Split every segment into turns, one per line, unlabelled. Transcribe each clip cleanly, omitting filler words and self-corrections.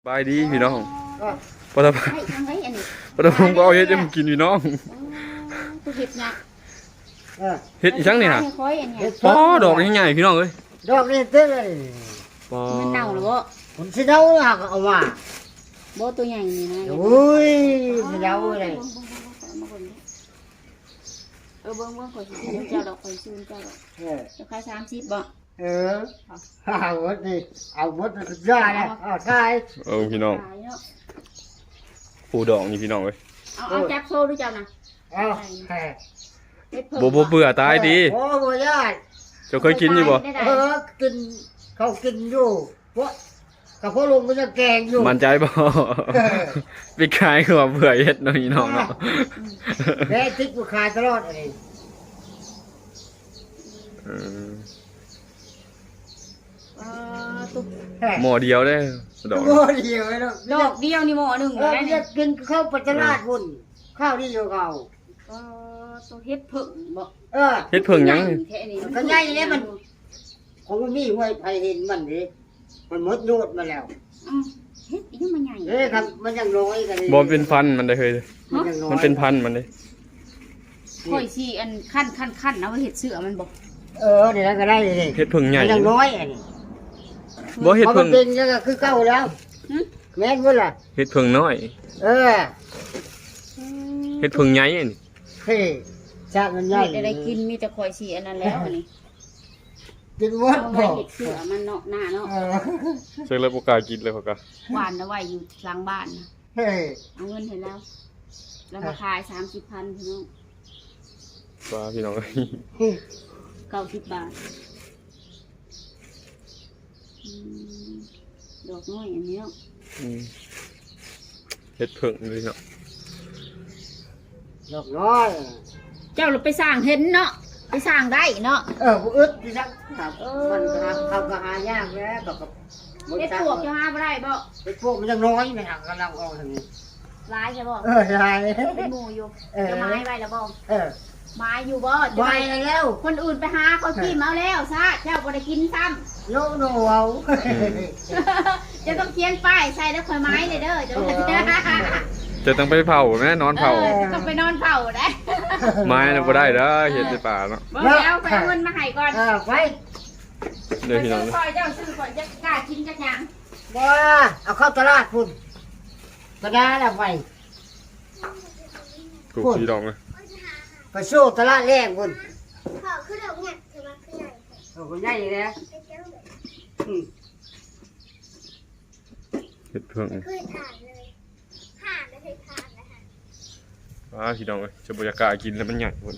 บายดีพี่น้องปฐม
ให้ทำไว้อันนี้
ปฐมบ่เอาเฮ็ดให้มันกินพี่น้อง
ตัวเห็ดนะ
เฮ็ดอีจังนี่น่ะ
ค่อยอันเนี้ย
อ๋อดอกใหญ่ๆพี่น้องเอ้ย
ดอกนี่เต้เลย
ปอ
มันเน่าหรือบ่
ผมสิเดาหักเอามา
บ่ตัวใหญ่นี่นะ
โอ้ยสิเดาเลย
เบิ่งข่อยสิซื้อเจ้าดอกข่อยซื้อเจ้าดอกจะขาย30บ่
เอาหมดนี่เอาหมดสุดยอดเลยเอาใช่
พี่น้อง
ขายเนาะ
ปูดอกนี่พี่น้องเอ้ย
เอาจับโซ่ด้วยเจ้านะ
เอาแค่
เฮ็ดเพิ่ม
บ่เบื่อตายดี
โอ้บ่ยอด
เจ้าเคยกินอยู่บ่
กินเขากินอยู่เพราะกับพ่อลุงมันจะแกงอยู่
มั่นใจบ่ไปขายคือว่าเบื่อเฮ็ดเนาะพี่น้องเนาะ
แม่ติ๊กกูขายตลอดเลย
เออ
ตุ๊ก
หม้อเดียวเด้อดอก
โอ้เดียวเลยเนาะ
ดอกเดียวนี่หม้อหนึง
เรา
ได้
จะ
นี่
กินข้าวปัจจราชบุญข้าวที่อยู่เขา
ตัวเฮ็ดเพิ่มบ่
เฮ็ดเพิ่งหยังนี่
แค่นี้
ก็ใหญ่เลยมัน ของมันมีห้วยไผเห็นมันดิมันหมดโยดมาแล้ว
เฮ็ดอีหยังมันใหญ่
ครับมันยังน้อยกันเลย
บ่มันเป็นพันธุ์มันได้เฮ้ย
มันยังน้อย
มันเป็นพันธุ์มันเด้
ข่อยสิอันคั่นเอาไว้เฮ็ดเสื้อมันบ่
เดี๋ยวนั้นก็ได้เลย
เฮ็ดเพิ่งใหญ่
มันยังน้อยอันนี้
บ่เฮ็ด
พอมั
เพิ่
น
ง
เป็นแล้วก็คือเก่าแล้วแม่นบ่ล่ะ
เฮ็ดเพิ่งน้อย
เออ
เฮ็ดเพิ่งใหญ่อันนี้
เฮ้ยชาติมันใหญ่
เฮ็ดอะไรกินมีแต่ข่อยสิอันนั้นแล้วอันนี้
กินหมด
เอา
บ่
ไว้เฮ็ดเสื้อมันเนาะหน้าเนาะ
ใส่เลยบ่กล้ากินเลยเขาก็
หวานเอาไว้อยู่หลังบ้านนะ
เฮ้ย
เอาเงินให้แล้วแล้วมาขาย30,000พี่น้อง
ว่าพี่น้องเอ้ย
90 บาทดอกน้อยอันนี้เนาะ
เฮ็ดเพิ่งเลยเนาะ
ดอกน้อย
เจ้าเราไปสร้างเห็นเนาะไปสร้างได้เนาะ
บ่อึดดิซักครับมันเขาก็หายากแล้วกับ
เฮ็ดปวกจะหาบ่ได้บ่
ไอ้พวกมันยังน้อยนะฮะกำลังออกทางนี้
ร้ายใช่บ่
ใช่
เป็นหมู่อยู่จะไม้ไว้แล้วบ่ ไม้อยู่บ่จะ
ไป
ไป
แล้ว
คนอื่นไปหาเขาจิ้มเอาแล้วซะเจ้าบ่ได้กินซ้ำ
โนเอา
จะต้องเขียนป้ายใส่แล้วค่อยไม้เลยเด้อจะ
จะต้องไปเผาแม่นอนเผา
ต้องไปนอนเผาได้
ไม้น่ะบ่ได้เด้อเฮ็ดในป่าเนาะ
บ่แล้วไปเอาเงินมาให้ก่อน
ไป
เด้อพี่น้อง
คอยเจ้าซื้อก่อนจะกล้ากินจักหยัง
บ่เอาเข้าตลาดพุ่นกระดาษไป
กูพี่น้องเอ้ย
ไปสู้ตลาดแรกพุ่น
ขอขึ้นดอกเนี่ยถือว่าขึ้นใหญ่
คนใหญ่เลย
ไปเจ้าเลย
เฮ็ดเพิ่ง
ขึ้นอ่านเลยผ่านไม่เคยผ่านนะคะ
พี่น้องเอ้ยจะบ่อยากกล้ากินแล้วมันใหญ่พุ่น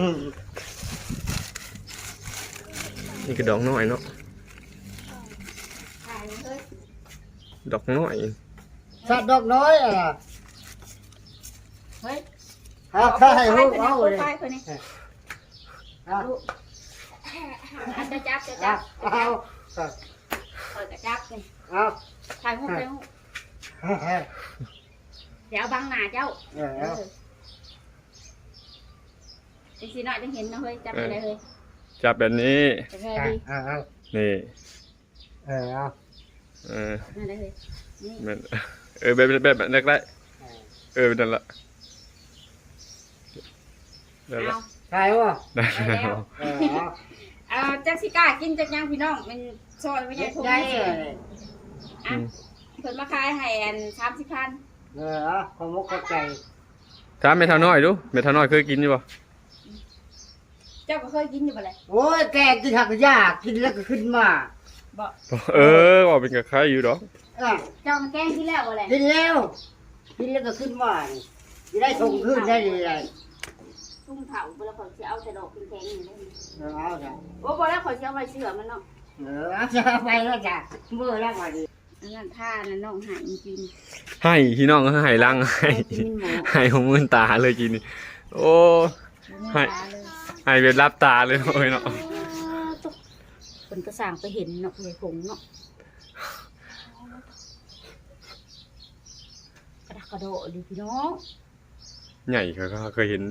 นี่ก็ดอกน้อยเนาะ
ขายเลย
ดอกน้อย
สัตว์ดอกน้อยอ่ะ
เฮ้ย
ถ้าให้ลูกเอาเลย
ไปคนนี้จะจับจะจับ
เอา
คอยกระจับเลย
เอา
ถ่ายรูปไปเดี๋ยวบังหน้าเจ้าจริงๆหน่อยจะเห็นนะเฮ้ยจับไปเลยเฮ้ย
จับแบบนี้
จับไปดี
นี่
เอา
นั่นเลยเฮ้ยนี่
แม่นแบบนั้นได้นั่นละนั่นละ
เอา
ใช่ป่ะ
ได้
ไปแล้วจักสิก้ากินจักยังพี่น้องมันซอยไม่ใช่ทุ่ง
ใช่
อ่ะเพิ่นมาขายให้อัน30,000
ขอมุกเข้าใจ
ถามเมทาน้อยดูเมทาน้อยเคยกินอยู่ป่ะ
เจ้าก็เคยกินอยู่บ่เลย
โอ้ยแกกินหักยากกินแล้วก็ขึ้นมา
บ่
ว่าเป็นกับใครอยู่ดอก
เจ้ามันแกงที่แล้วบ่เลย
กินแล้วกินแล้วก็ขึ้นมาจะได้ส่งขึ้นได้เลย
ตุ้มเผาบ่แล้วข่อยสิเอาแต่ดอกแข็งๆนี่เลย
เอาจ้ะ
โอ้บ่แล้วข่อยสิเอาไว้เสื้อมันเนาะ
จะไปแล้วจ้ะเมื่อแล้วมาดี
อันนั้นท่านั้นน้องหายจริง
ให้พี่น้องก็ให้ลังให้
กินหมู
ให้ของมือตาเลยกินนี่โอ้ ให้ ให้เป็นรับตาเลยโอ้ยเนาะ
เป็นกระสังไปเห็นเนาะเลยผงเนาะกระดกกระโดดดิพี่น้อง
ใหญ่เขาเคยเห็นนี่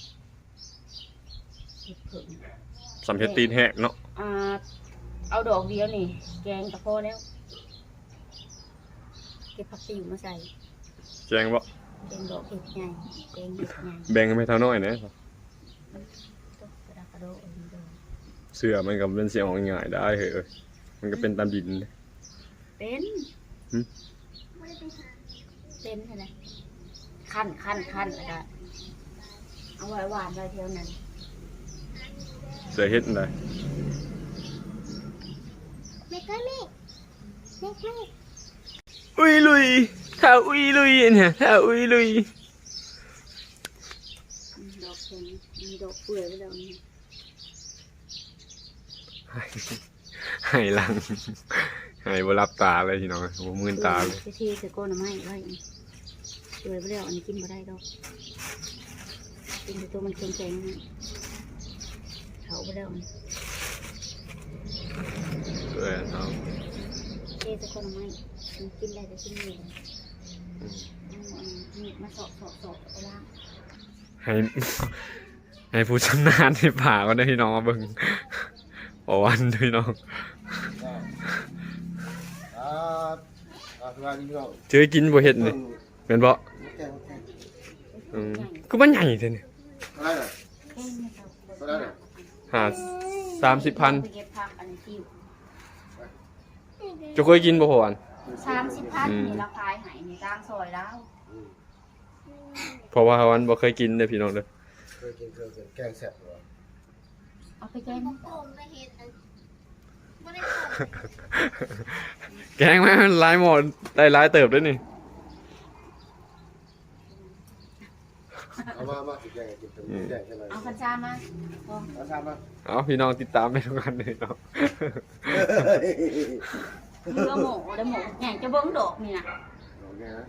เห็ดเผิง
สำเพ็จตีนแหกเนาะ
เอาดอกเดียวนี่แกงกระเพาะแล้วเก็บผักติ๋วมาใส่
แจงบ่
แกงดอกเห็ดใหญ่แกงเห็ดใหญ่
แบ่งให้เท่าน้อยนะ
ตุ๊กกระดาษกระโดดเดิน
เสื้อมันก็เป็นเสียงง่ายๆได้เฮ้ยมันก็เป็นตามดิน
เป็น
ไม่ได้ไปหา
เป็นใช่ไหมขั้นแล้วก็เอาไว้หวานไว้เท่านั้น
เสื้อเฮ็ดได้
ไม่ก็ไม่
อุ้ยลุยถ้าอุ้ยลุยเนี่ยถ้าอุ้ยลุย
ดอกเข็มมีดอกเปื่อยไปแล้วนี่
ให้หลังให้บ่รับตาเลยพี่น้องบ่มื่นตาเลย
ไปที่สก้นไม้ไว้เปื่อยไปแล้วอันนี้กินไม่ได้ดอกกินแต่ตัวมันแข็งๆนี่เขาไปแล้วนี่
เอา
ที่สก้นไม้มันกินได้แต่ชิ้นเดียวนี่มาสอบไปล่าง
ให้ให้ผู้ชำนาญในป่าก็ได้พี่น้องมาเบิ่งบ่วันพี่น้อง
สบายดีพี่น้อง
เจอกินบ่เฮ็ดนี่เป็นบ่
โอเค
คือมันใหญ่แท้นี่
อะไรน่ะ
แค่นี้ครับ
อะไรน่ะ
หา30,000
ไปเก็บผักอันนี้ที่
จะเคยกินบ่พอวัน
30,000นี่ราคาหายในกลางซอยแล้ว
เพราะว่าวันบ่เคยกินเด้อพี่น้องเด้อ
เคยกินแกงแซ่บเหรอ
เอาไปแกง
ผมไปเห็นอันไม่ได้ผม
แกงแม่มันหลายหมดได้หลายเติบด้วยนี่
เอามาสิแกงกินเป็นแกงใช่ไหม
เอาคันชามาพอ
เอาทำมา
เอาพี่น้องติดตามไปทุกกันเลยเนาะ
เนื้อหมูแล้วหมูใหญ่จะเบิ้งดอกนี่นะ
โอเคนะ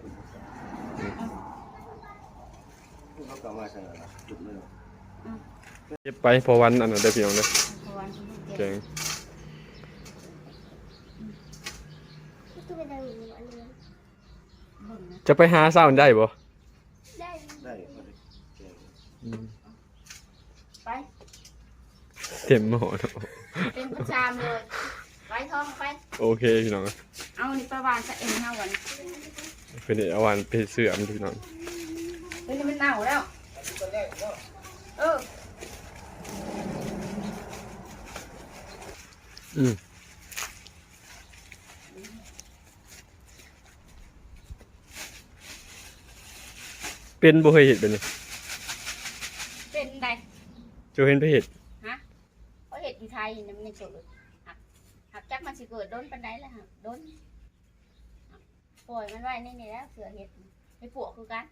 เขากลับมาใช่ไหมจุดเลย
เก็บไปพอวันอันนั้นได้พี่น้องเด้อ
เพราะว่าที่
แกง
ตู้เป็นอะไรอยู่อันนี้
เบิ้งนะ
จะไปหาเช้าได้บ่
ได้
ได้
ไป
เต็มหม้อเนาะ
เป็นประจามเลยไปทองไป
โอเคพี่น้อง
เอานี่ประวานจะเอ็นเท่าวัน
เป็นเอาวันไปเสื่อมพี่น้อง
เฮ้ยนี่มันเน่าแล้วเออ
เป็นบ่เคยเห็นเป็นนี่
เป็นไง
จะเห็นไปเห็ด
ฮะเพราะเห็ดอยู่ไทยนี่มันยังเกิดหักจักมันสิเกิดโดนปันไดแล้วฮะโดนปล่อยมันไว้นี่แล้วเสือเห็ดไปปลวกคือกัน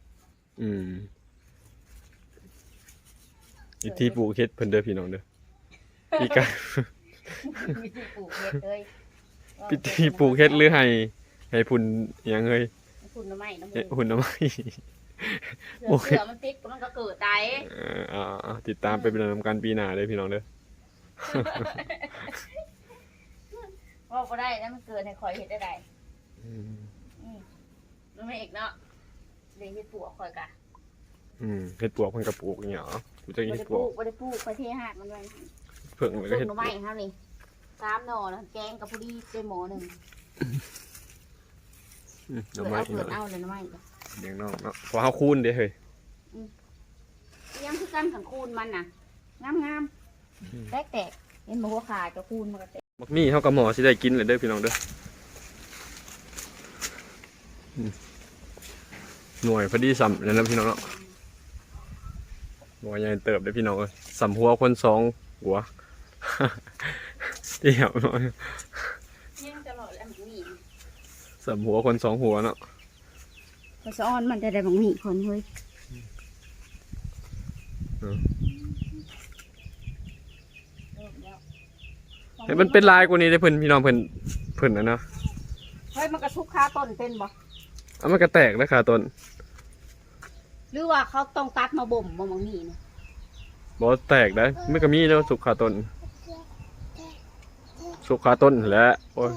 อีกที่ปลูกเห็ดเพิ่นเด้อพี่น้องเด้อพี่กา
มีที่ปลูกเห็ดเลย
พิธีปลูกเห็ดหรือให้พุ่นอิหยังเอ้ย
คุณน้ำไม้น้ำ
เอ๊ะ
มู
หุ่นน้ำไม้
เสือมันติดมันก็เกิดได้
ติดตามไปเป็นนำการปีหน้าเลยพี่น้องเด้อ
ว่าก็ได้แล้วมันเกิดในคอยเห็ดได้ไดมันไม่เอกเนาะเดี๋ยวเห็ดปลวกคอยกะ
เห็ดปลวกเพิ่นก็ปลูกอย่างเงี้ยเหรอกูจะ
ไม่
เห็
ได้
ด
ป
ปล
ลู
วก
กไม่ได้ปลูกไปเทหาดมันไว้
เพิ่ง
ป
แล้ว
ลู
ก็
ก
เห็ด
หน่อ
ปล
ไม้
วก
เขานี่3 หน่อแล้วแกงกับพอดีเป็นหมอหนึ่ง
หน่อ
เกิด
ไม้
เอาเกิดเอาเลยหน่อไม้
เลี้ยงน้องเนาะเพราะเฮาคูนเด้เฮ้ย
ยังคือกันขังคูนมันน่ะงามแตกเห็นบอกว่าขาจะคูนมันก็แตก
บักมี่เฮากับหมอสิได้กินเลยเด้อพี่น้องเด้อหน่วยพอดีสำนั่นนะพี่น้องเนาะหน่วยใหญ่เติบเด้อพี่น้องเอ้ยสำหัวคน2หัว เดี่ยวหน่อย
ยังตลอดแล้วมันมี
สำหัวคน2หัวเนาะ
พอซ้อนมันจะได้บางมีคนเฮ้ย
เฮ้ยมันเป็นลายกว่านี้ได้อเพิ่นพี่น้องเพิ่นนะเนาะ
เฮ้ยมันกระทุกคาต้นเป็นบ่
เอามันก็แตกนะขาต้น
หรือว่าเขาต้องตัดมาบ่มบางมีเนี่ย
บ่แตกได้ไม่ก็มีเนาะสุกขาต้นสุกขาต้นแหละโอ้ย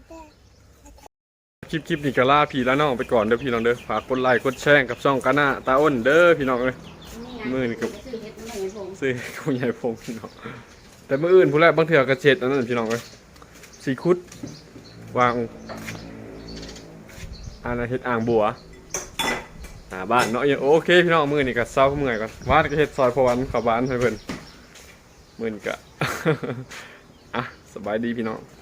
คลิปนี้ก็ลาพี่แล้วน้องไปก่อนเด้อพี่น้องเด้อฝากกดไลค์กดแชร์กับช่องกาหน้าตาอ้นเด้อพี่น้องเอ้ย มือนี่ก็
ซื้อเห็ดมันไม่เห็นผม
ซื้อคุณยายพงพี่น้องแต่มื้ออื่นผู้แรกบางเทื่อก็เช็ดอันนั้นพี่น้องเอ้ยสีคุดวางอันนั้นเฮ็ดอ่างบัวบ้านเนาะโอเคพี่น้องมื้อนี้ก็เซาเมื่อยก่อนวาดก็เฮ็ดซอยพอวันเข้าบ้านให้เพิ่นมื้อนี้ก็ อ่ะสบายดีพี่น้อง